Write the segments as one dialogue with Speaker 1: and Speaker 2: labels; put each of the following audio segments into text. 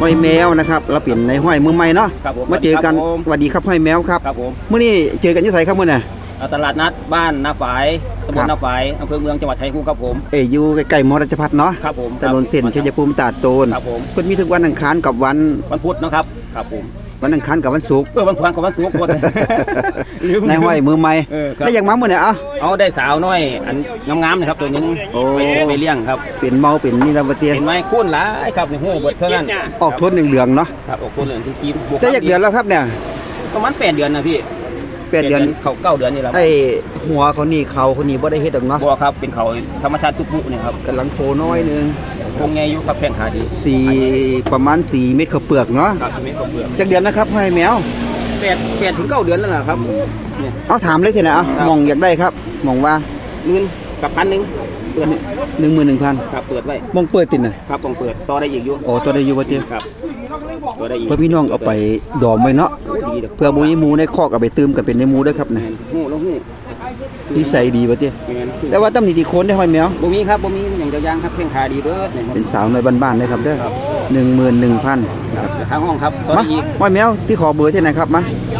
Speaker 1: ห้อยแมวนะครับเราเปลี่ยนในห้อยมือใหม่เนาะมาเจอกันสวัสดีครับห้อยแมวครับเมื่อนี้เจอกันที่ไหนครับเมื่อน่ะ
Speaker 2: ตลาดนัดบ้านนาฝายตำบลนาฝายอำเภอเมืองจังหวัดชัยภูมิครับผม
Speaker 1: อยู่ใกล้ๆมอราชพัฒน์เนาะ
Speaker 2: ครับผม
Speaker 1: ถนนเส้นชัยภูมิตาดโตน
Speaker 2: ครับผม
Speaker 1: เพิ่นมีทุกวันอังคารกับวัน
Speaker 2: พุธนะครับครับผม
Speaker 1: วันอังคารกับวันศุกร์
Speaker 2: วันพุธกับวันศุกร์
Speaker 1: ในห้อยมือใหม่ได้อย่างมาเมื่อไหร่
Speaker 2: เอาได้สาวน้อยอันงามๆนะครับตัวนึงไปเลี้ยงครับ
Speaker 1: เป็นเมาเป็นนี่เราเตี้ย
Speaker 2: เป็นไม้คุ้นหลายครับในหูเบิดเท่านั้น
Speaker 1: ออกทนเหลืองเนาะ
Speaker 2: ครับออกทนเหลืองทุกที
Speaker 1: ได้จากเดือนแล้วครับเนี่ย
Speaker 2: ประมาณ8 เดือนนะพี่
Speaker 1: 8 เดือน
Speaker 2: เขา9 เดือนนี่แหละ
Speaker 1: ไอ้หัวเขานี่เขาคนนี้บ่ได้เฮ็ดดอกเนาะ
Speaker 2: บ่ครับเป็นเขาธรรมชาติทุกปุนี่ครับ
Speaker 1: กำลังโตน้อยนึง
Speaker 2: คงไงอยู่ครับแข้งขาดี
Speaker 1: ประมาณ4 เม็ดข้าวเปลือกเนาะ
Speaker 2: ครับ4 เม็ดข้าวเปลือก
Speaker 1: จากเดือนนะครับให้แมว
Speaker 2: 8 ถึง 9 เดือนแล้วนะครับ
Speaker 1: เอาถามเลยเถอะนะมองอยากได้ครับมองว่า
Speaker 2: 10,000กับ1,000เปิด
Speaker 1: 11,000
Speaker 2: ครับเปิดไว้
Speaker 1: มองเปิดติดน่ะ
Speaker 2: ครับมองเปิดต่อได้อีกอยู่
Speaker 1: ต่อได้อยู่บ่ติ
Speaker 2: ครับต่อได้อีก
Speaker 1: เพื่อพี่น้องเอาไปดอมไว้เนาะเพื่อบ่มีหมูในคอกเอาไปตื้มกันเป็นในหมูด้วยครับนะ
Speaker 2: ฮู้ลงฮู้
Speaker 1: นิสัยดีบ่ติแต่ว่าตำหนิที่โคนได้ห้อยแมว
Speaker 2: บ่มีครับบ่มีอย่างเจ้าย่างครับแข้งขาดีเด้อ
Speaker 1: เป็นสาวน้อยบ้านๆเลยครับเด้อ11,000
Speaker 2: ครับทางห้องครับต่ออีก
Speaker 1: ห้อยแมวที่ขอเบอร์ที่ไหนครับมา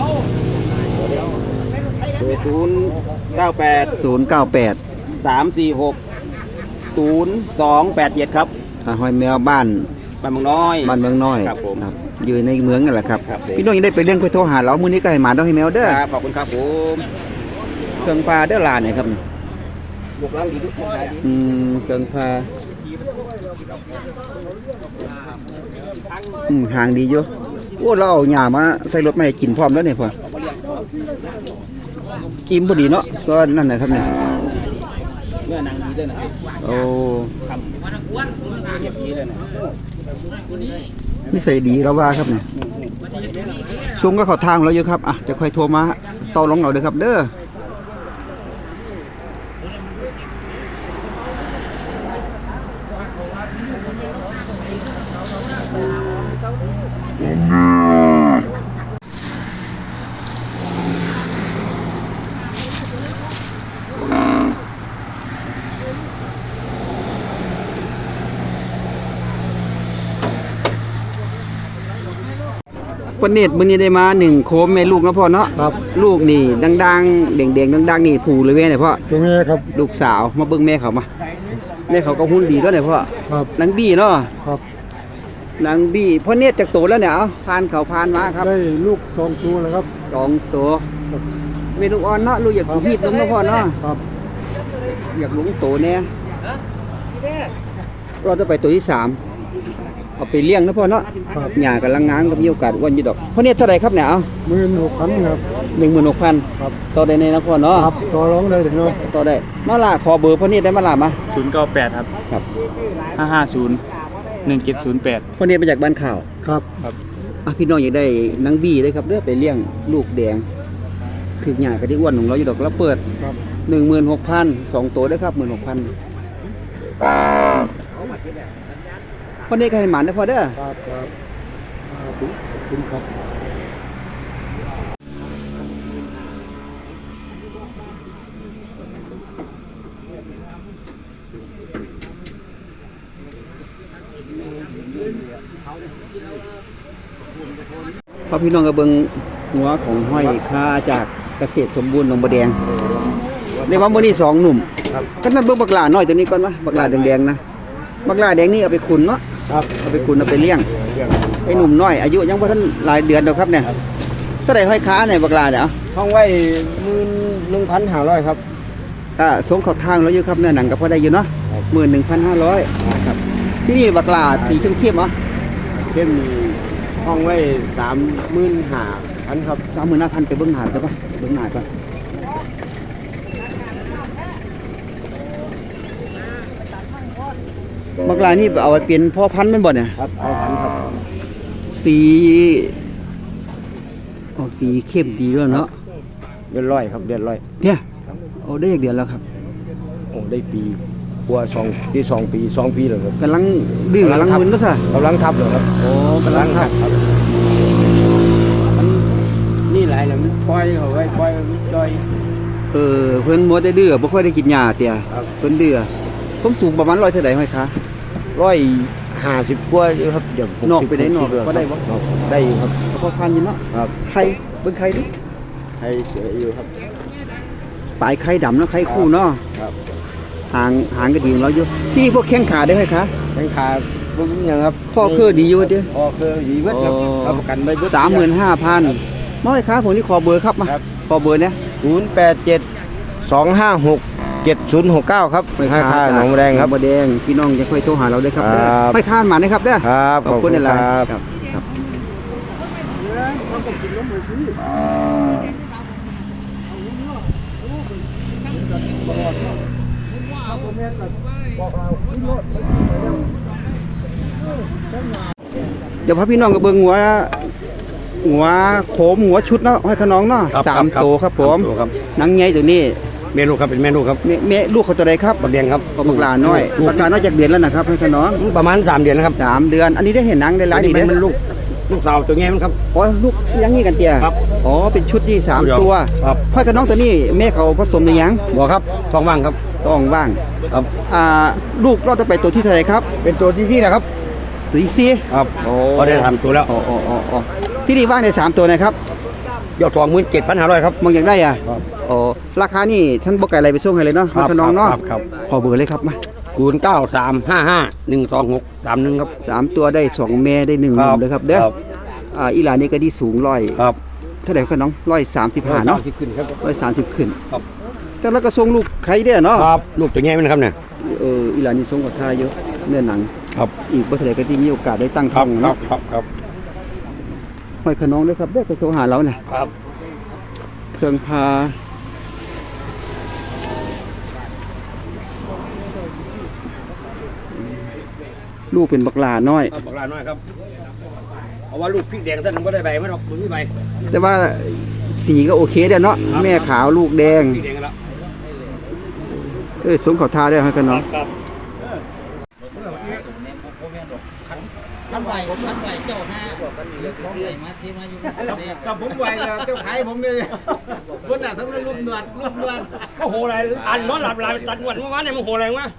Speaker 2: 098 346 0287ครับ
Speaker 1: ห้อยแมวบ้าน
Speaker 2: เมืองน้อย
Speaker 1: ครับผมอยู่ในเมืองนั่นแหละครับพี่น้องยังได้ไปเลี้ยงไปโทรหาเรามื้อนี้ก็ให้หมาต้องให้แมวเด้อ
Speaker 2: ครับขอบคุณครับผม
Speaker 1: เครื่องปลาเด้อลาเนี่ยครับ
Speaker 2: บุกล้างดีทุกคน
Speaker 1: เครื่องปลาห่างดีอยู่โอ้เราเอาหญ้ามาใส่รถมาให้กินพร้อมแล้วเนี่ยพ่ออิ่มพอดีเนาะก็นั่นแหละครับเนี่ย
Speaker 2: เมื่อนางดีด้วยนะ
Speaker 1: โอ้
Speaker 2: ครับเก็บดีเลยนะ
Speaker 1: นี่ใส่ดีแล้วว่าครับเนี่ยซุ้มก็เข้าทางแล้วอยู่ครับจะค่อยโทรมาต่อรองเราเด้อครับเด้อวันนี้มื้อนี้ได้มา1โคมแม่ลูกนะพ่อเนาะ
Speaker 3: ครับ
Speaker 1: ลูกนี่ดังๆแดงๆดังๆนี่ผูเลยเว้ยเนี่ยพ่อ
Speaker 3: ตัวแม่ครับ
Speaker 1: ลูกสาวมาเบิ่งแม่เขามาแม่เขาก็หุ่นดีด้วยเนี่ยพ่อ
Speaker 3: ครับ
Speaker 1: นางบี้เนาะ
Speaker 3: ครับ
Speaker 1: นางบี้พ่อเนี่ยจากโตแล้วเนี่ยผ่านเขาผ่านมาครับ
Speaker 3: ได้ลูก2 ตัวแล้วครับ
Speaker 1: 2 ตัวแม่ลูกอ่อนเนาะลูกอยากพีดลงนะพ่อเนาะ
Speaker 3: ครับ
Speaker 1: อยากลงโตเนี่ยเราจะไปตัวที่3เอาไปเลี้ยงนะพ่อเนาะหญ้ากำลังงามก็มีโอกาสอ้วนอยู่ดอกพ่อเนี่ยเท่าไหร่ครับเนี่ย
Speaker 3: 16,000ครับ
Speaker 1: 16,000
Speaker 3: ครับ
Speaker 1: ต่อได้ในนะพ่อเนาะ
Speaker 3: ครับต่อรองได้ถึงเนาะ
Speaker 1: ต่อได้มาล่ะขอเบอร์พ่อเนี่ยได้มาล่ะมา
Speaker 2: 098ครับ
Speaker 1: ครับ
Speaker 2: 550 1708
Speaker 1: พ่อเนี่ยมาจากบ้านข่าว
Speaker 3: ครับ
Speaker 1: พี่น้องอยากได้นางบี้เลยครับเด้อไปเลี้ยงลูกแดงถึกหญ้าก็ได้อ้วนของเราอยู่ดอกแล้วเปิด16,000 2ตัวเด้อครับ 16,000พ่อเนี่ยก็ให้หมานนะพ่อเด้อ
Speaker 3: ครับคุณครับ
Speaker 1: พอพี่น้องก็เบิ่งหัวของห้อยค่าจากเกษตรสมบูรณ์หนองบัวแดงในว่ามื้อนี้2หนุ่มก็นั่นเบิ่งบักหลาน้อยตัวนี้ก่อนวะบักหลาแดงๆนะบักหลาแดงนี่เอาไปขุนเนาะ
Speaker 3: ครับ
Speaker 1: เอาไปขุนเอาไปเลี้ยงไอ้หนุ่มน้อยอายุยังบ่ทันหลายเดือนดอกครับเนี่ยเท่าใดห้อยค้าเนี่ยบักหลาเนี่ย
Speaker 3: ห้องไว้11,500ครับ
Speaker 1: สงเข้าทางแล้วอยู่ครับเนื้อหนังก็พอได้อยู่เนาะ11,500ครับที่นี่บักหลาสีเข้มๆเหรอ
Speaker 3: เข้มห้องไว้35,000ครับ
Speaker 1: 35,000ไปเบิ่งหน้าได้ป่ะเบิ่งหน้าก่อนบักหลานี่เอาไปเป็นพ่อพันธุ์แม่นบ่เนี่ย
Speaker 3: ครับเอาพันธุ์ครับ
Speaker 1: สีออกสีเข้มดีด้วยเนาะ
Speaker 3: เดือนร้อยครับเดือนร้อย
Speaker 1: เนี่ยโอ้ได้อีกเดือนแล้วครับ
Speaker 3: โอ้ได้ปีกว่า2 ปีแล้วครับ
Speaker 1: กำลังดื้อกำลังมึนก็ซะ
Speaker 3: กำลังทับเลยครับ
Speaker 1: โอ้กำลังทับ
Speaker 3: มันนี่หลายแล้วมันปล่อยเขาไว้ปล่อยมันย่อย
Speaker 1: เพิ่นมัวแต่ดื้อบ่ค่อยได้กินหญ้าเตี้ยเพิ่นดื้อผมสูงประมาณ100เท่าใดห้อยคะ
Speaker 3: 50กว่าอยู่ครับเดี๋ยว60
Speaker 1: นอกไปได้นอก
Speaker 3: 60
Speaker 1: ก็ได้บ่
Speaker 3: ได้อยู่ครับ
Speaker 1: พอพันยินเนาะ
Speaker 3: ครับ
Speaker 1: ไข่เบิ่งไข่ดิ
Speaker 3: ให้เสืออยู่ครับ
Speaker 1: ปลายไข่ดำเนาะไข่คู่เนาะ
Speaker 3: ครับ
Speaker 1: หางก็ดีของเราอยู่ที่นี่พวกแข้งขาได้ไหมคะ
Speaker 3: แข้งขาบ่มีหยังครับ
Speaker 1: ข้อคือดีอยู่เด้อ
Speaker 3: พ่อคือดีเบิดครับ
Speaker 1: อ๋อ
Speaker 3: รับประกันไว้เบิด
Speaker 1: 35,000น้อยครับผมนี่ขอเบอร์ครับมา
Speaker 3: ครับ
Speaker 1: ขอเบอร์เนี่ย
Speaker 3: 087 256 7069ครับห้าค่าหนองบัวแดงครับ
Speaker 1: หนองบัวแดงพี่น้องจะค่อยโทรหาเราได้ครับ
Speaker 3: ครับ
Speaker 1: ไม่ค้านหมานะครับเด้อ
Speaker 3: ครับ
Speaker 1: ขอบคุณอะไร
Speaker 3: ครับ
Speaker 1: ครับเดี๋ยวพาพี่น้องกับเบิ่งหัวโขมหัวชุดเนาะให้ขน้องเนาะ
Speaker 4: ครับ
Speaker 1: สาม
Speaker 4: ครับ
Speaker 1: โตครับผม
Speaker 4: ครับครับ
Speaker 1: หนังใหญ่ตัวนี้
Speaker 4: เมนูครับเป็นเมนูครับ
Speaker 1: แม่ลูกเขาตัวใดครับ
Speaker 4: บักแดงครับ
Speaker 1: ก็บักหลาน้อยบักหลาน้อยจากเดือนแล้วนะครับให้ขน้อง
Speaker 4: ประมาณ3 เดือนนะครับ
Speaker 1: 3 เดือน อันนี้ได้เห็นหนังได้หลาย
Speaker 4: อัน
Speaker 1: ดี
Speaker 4: นี้
Speaker 1: เด้
Speaker 4: มันลูกสาวตัวแง่มันครับ
Speaker 1: อ๋อลูกยังงี้กันเตีย
Speaker 4: ครับ
Speaker 1: อ๋อเป็นชุดที่3
Speaker 4: เดียว
Speaker 1: ตัว
Speaker 4: ครับ
Speaker 1: พ่อกับน้องตัวนี้แม่เขาผสมในยัง
Speaker 4: บอกครับท้องว่างครับ
Speaker 1: ต้องว่าง
Speaker 4: ครับ
Speaker 1: ลูกเราจะไปตัวที่เท่าไหร่ครับ
Speaker 4: เป็นตัวที่นะครับ
Speaker 1: ตัวที่สี่
Speaker 4: ครับ
Speaker 1: โอ้
Speaker 4: ก็ได้ทำตัวแล้ว
Speaker 1: อ๋อที่นี่ว่างใน3ตัวนะครับ
Speaker 4: ยอด27,500ครับ
Speaker 1: มองอยากได้อ่ะ
Speaker 4: ครับ
Speaker 1: อ๋อราคานี่ท่านบอกไก่อะไรไปส่งให้เลยเนาะ
Speaker 4: ครับ
Speaker 1: ให้น้องเนาะ
Speaker 4: ครับ
Speaker 1: ขอเบอร์เลยครับมา
Speaker 4: 0935512631ครับ
Speaker 1: 3ตัวได้2แม่ได้1หนุ่มเลยครับเด้ออีหลานนี่ก็ที่สูงร้อย
Speaker 4: ครับ
Speaker 1: เท่าไหร่ครับน้อง135เนาะ
Speaker 4: ที่ขึ้นครับ
Speaker 1: 130ขึ้น
Speaker 4: ครับ
Speaker 1: แต่แล้วก็ส่งลูกใครได้อเนาะ
Speaker 4: ครับลูกตัวแง่มันครับเนี่ย
Speaker 1: อีหลานนี่ส่งกับท่าเยอะเนื้อหนัง
Speaker 4: ครับ
Speaker 1: อีกบ่เท่าไหร่ก็ที่มีโอกาสได้ตั้ง
Speaker 4: ค
Speaker 1: ท้
Speaker 4: รั
Speaker 1: อบ ง
Speaker 4: ครั
Speaker 1: เนาะ
Speaker 4: บครับครับ
Speaker 1: ห้อยขน้องด้วยครับเด้อโทรหาเราเนี่ย
Speaker 4: ครับ
Speaker 1: เครื่องพาลูกเป็นบักหลาน้อย
Speaker 4: บอกลาน้อยครับเอาว่าลูกพริกแดงท่านก็ได้ใบไม่หรอกมันมีใบ
Speaker 1: แต่ว่าสีก็โอเคเด้อเนาะแม่ขาวลูกแดง
Speaker 4: พริกแดงแล้ว
Speaker 1: สงเขาทาได้ห้อยขน้อง
Speaker 4: ครับ
Speaker 3: กับผมไวแล้วเจ้าขายผมเลยคนน่ะทั้งรูปเนือด
Speaker 4: ก็โหอะไรอันนอนหลับหลายตัดหนวดเมื่อวานเนี่ยมันโหอะไรวะ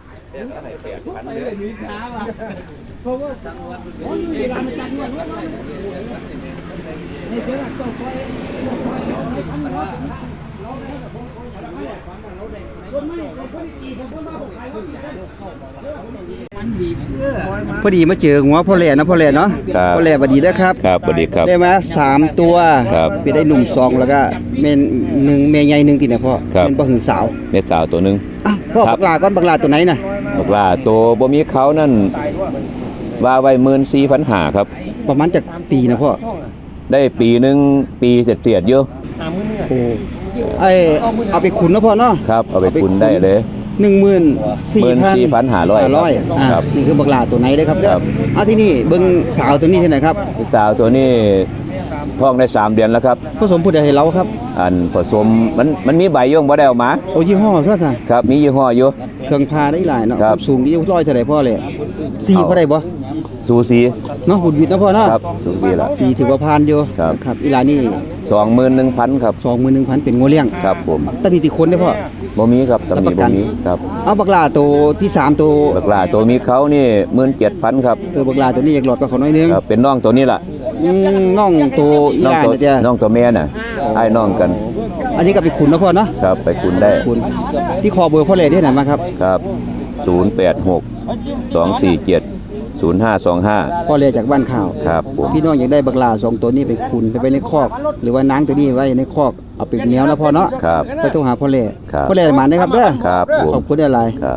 Speaker 1: พอดีมาเจอหัวพ่อแหล่นะพ่อแหล่เนาะ
Speaker 5: ครับ
Speaker 1: พ่อแหล่สวัสดีนะครับ
Speaker 5: ครับสวัสดีครับ
Speaker 1: ได้มา3ตัว
Speaker 5: ครับ
Speaker 1: เป็นได้หนุ่ม2แล้วก็แม่หนึ่งแม่ใหญ่1ติเนี่ยพ่อ
Speaker 5: ครับ
Speaker 1: เป็นบ่หึงสาว
Speaker 5: เม็ดสาวตัวหนึง
Speaker 1: อ่ะพ่อ
Speaker 5: ครับ
Speaker 1: บักหลาก่อนบักหลาตัวไหนน่ะ
Speaker 5: บอกว่าตัวบ่มีเขานั่นว่าไว้14,500ครับ
Speaker 1: ประมาณจากปีนะพ่อ
Speaker 5: ได้ปีหนึงปีเศษๆอยู่
Speaker 1: โอ้เอาไปขุนนะพ่อเนาะ
Speaker 5: ครับ เอาไปคุณได้เลย
Speaker 1: 14,500
Speaker 5: ครับ
Speaker 1: นี่คือบักหลาตัวไหนได้ครับ
Speaker 5: ครับ
Speaker 1: ที่นี่เบิ่งสาวตัวนี้ที่ไหนครับ
Speaker 5: พี่สาวตัวนี้ท้องได้3 เดือนแล้วครับ
Speaker 1: ผสมผู้ใดให้เราครับ
Speaker 5: อันผสมมันมีใบย่งบ่ได้เอามา
Speaker 1: โอ้ยี่ห้อเท่ากัน
Speaker 5: ครับมียี่ห้ออยู่
Speaker 1: เครื่องพาได้หลายเนาะ
Speaker 5: ครับ
Speaker 1: สูงดีร้อยเท่าไหร่พ่อเลย4พอได้บ่
Speaker 5: สูสี
Speaker 1: เนาะบุญวิทย์นะพ่อเนาะ
Speaker 5: ครับสูสีละ
Speaker 1: 4ถือว่าผ่านอยู่
Speaker 5: ครับ
Speaker 1: ครับอีหลานี่
Speaker 5: 21,000ครับ
Speaker 1: 21,000เป็นงัวเลี้ยง
Speaker 5: ครับผม
Speaker 1: ตอนนี้ติคนได้อพ่อ
Speaker 5: บ่มีครับตำห
Speaker 1: รับป
Speaker 5: นิ
Speaker 1: ระกั
Speaker 5: บ่
Speaker 1: น
Speaker 5: มีครับ
Speaker 1: เอาบักหลาตัวที่3ตัว
Speaker 5: บักหลาตัวมีเขานี่17,000ครับ
Speaker 1: บักหลาตัวนี้อยากหลอดก็เขาน้อยนึง
Speaker 5: ครับเป็นน้องตัวนี้ล่ะ
Speaker 1: น้องตัวอีห
Speaker 5: น้อง
Speaker 1: ลา
Speaker 5: ตัว
Speaker 1: เนี่ยจ้ะ
Speaker 5: น้องตัวแม่น่ะไอ้น้องกัน
Speaker 1: อันนี้ก็ไปขุนนะพ่อเนาะ
Speaker 5: ครับไปคุณได้
Speaker 1: ขุนที่คอเบอร์พ่อเลยที่ไหนมาครับ
Speaker 5: ครับ 086 247 0525
Speaker 1: พ่อเลยจากบ้านข่าว
Speaker 5: ครับผม
Speaker 1: พี่น้องอยากได้บักหลา2ตัวนี้ไปขุนไปไว้ในคอก หรือว่านางตัวนี้ไว้ในคอกเอาไปเหนียวนะพ่อเนาะ
Speaker 5: ครับ
Speaker 1: ไปโทรหาพ่อเลย
Speaker 5: ครับ
Speaker 1: พ่อเลยมาได้ครับเด้อ
Speaker 5: ครับผม
Speaker 1: ขอบคุณอะไร
Speaker 5: ครับ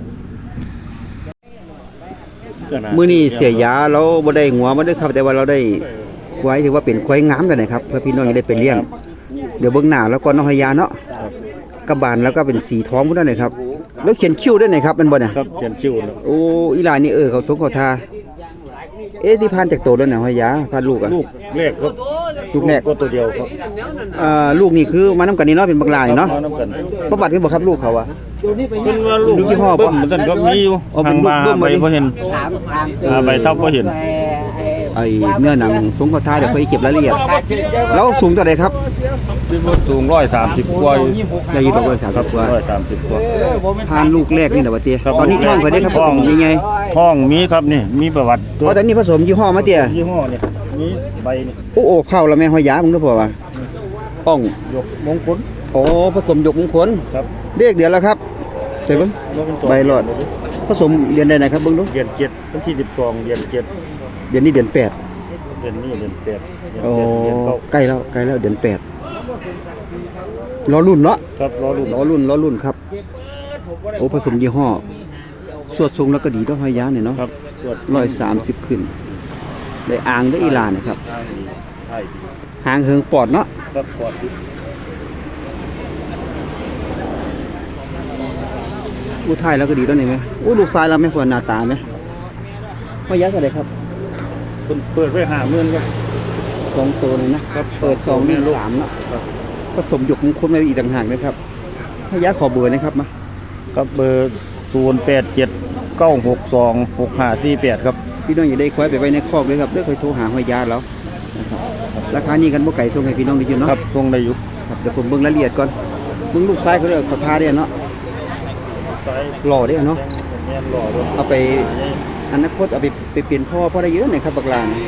Speaker 1: มื้อนี้เสียยาเราบ่ได้หัวมาเด้อครับ แต่ว่าเราได้ควายถือว่าเป็นควายงามกันนะครับเพื่อพี่น้องจะได้ไปเลี้ยง เดี๋ยวเบิ่งหน้าแล้วก็น้องหยาเนาะกระบาลแล้วก็เป็นสีทองพุ่นนั่นเลยครับแล้วเขียนคิ้วด้วยนะครับมันบ่น่ะ
Speaker 4: ครับเขียนชื่อแล้ว
Speaker 1: โอ้อีหลานนี่เขาสงเขาทาที่ผ่านจากโตแล้วน่ะหยาผ่านลูกอ่ะ
Speaker 4: ลูกแรกครับ
Speaker 1: ลูกแรก
Speaker 4: ก็ตัวเดียวครับ
Speaker 1: ลูกนี่คือมานํกันนี่เนาะเป็นบักหลานี่เนาะ
Speaker 4: มาน้ำกัน
Speaker 1: ประวัติเป็นบ่ครับลูกเขาอ่ะ
Speaker 4: เป็นว่าลูก
Speaker 1: มียี่ห้อปะ
Speaker 4: เบิ้มมันก็มีอยู่
Speaker 1: อ๋อเป็นลูก
Speaker 4: ทาง
Speaker 1: เบิ้ม
Speaker 4: ใบ
Speaker 1: บ่ดิ
Speaker 4: ก็เห็นใบเท่าก็เห็น
Speaker 1: ไอ้เนื้อหนังสงเขาทาเดี๋ยวค่อยเก็บรายละเอียดแล้วสูงเท่าใดครับ
Speaker 4: ถึงสูง130กว่าอยู่
Speaker 1: ได้อยู่ดอก130กว่า
Speaker 4: 130กว่า
Speaker 1: ผ่านลูกแรกนี่แหละว่าเตี้ย
Speaker 4: ครับ
Speaker 1: ตอนนี้ท้องเพิ่นได้ครับผมนี่ไง
Speaker 4: ห้องมีครับนี่มีประวัติตัว
Speaker 1: อ๋อตอนนี้ผสมยี่ห้อมาเตี้ย
Speaker 4: ยี่ห้อนี่มีใบนี่
Speaker 1: โอ้เข้าแล้วแม่ห้อยยามึงรู้ป่าวว่าอ่อง
Speaker 4: ยกมงคล
Speaker 1: โอ้ผสมหยกมงคล
Speaker 4: ครับ
Speaker 1: เด็กเดือนแล้วครับเสร็จเบิ่ง
Speaker 4: บ่เป็นตัว
Speaker 1: ใบหลอด ผสมเดือนใดนะครับเบิ่งดู
Speaker 4: เดือน7วันที่12เดือน7
Speaker 1: เดือนนี้เดือน8
Speaker 4: เดือนนี้เดือน8เดือน
Speaker 1: โอ้
Speaker 4: 7เดือน9
Speaker 1: ใกล้แล้วเดือน8รอรุ่นเนาะ
Speaker 4: ครับรอรุ่น
Speaker 1: รอรุ่นครับโอ้ผสมยี่ห้อสวดทรงแล้วก็ดีต้องห้อยยาเนี่ยเนาะ
Speaker 4: ครับตรวจ
Speaker 1: 130ขึ้นได้อ่างได้อีหลานนะครับ
Speaker 4: ทางดีใช่ดี
Speaker 1: หางเหิงปอดเนาะ
Speaker 4: ครับปลอดดี
Speaker 1: อู้ไทยแล้วก็ดีแล้วนี่ไหมอู้ลูกซ้ายเราไหมควรหน้าตาไหมห้อยยาเท่าไหร่ครับ
Speaker 4: เปิดไว้50,000ครับ
Speaker 1: 2ตัวเลยนะครับ เปิด2 1 3เนาะ
Speaker 4: ครับ
Speaker 1: ผสมหยกมงคลไว้อีกต่างหากนะครับห้อยยาขอเบอร์นะครับมา
Speaker 4: ครับเบอร์0879626548ครับ
Speaker 1: พี่น้องอย่าได้ควายไปไว้ในคอกเลยครับเด้อค่อยโทรหาห้อยยาแล้วนะครับราคานี้กันบ่ไก่ส่งให้พี่น้องได้ยินเนาะ
Speaker 4: ครับทรงได้อยู่
Speaker 1: ครับเดี๋ยวผมเบิ่งรายละเอียดก่อนเบิ่งลูกซ้ายเขาเด้อเขาทาได้เนาะ
Speaker 4: สาย
Speaker 1: หล่อได้เนาะ
Speaker 4: แม่นหล่อด้วย
Speaker 1: เอาไปอนาคตเอาไปเปลี่ยนพ่อได้เยอะเลยครับบักลานะ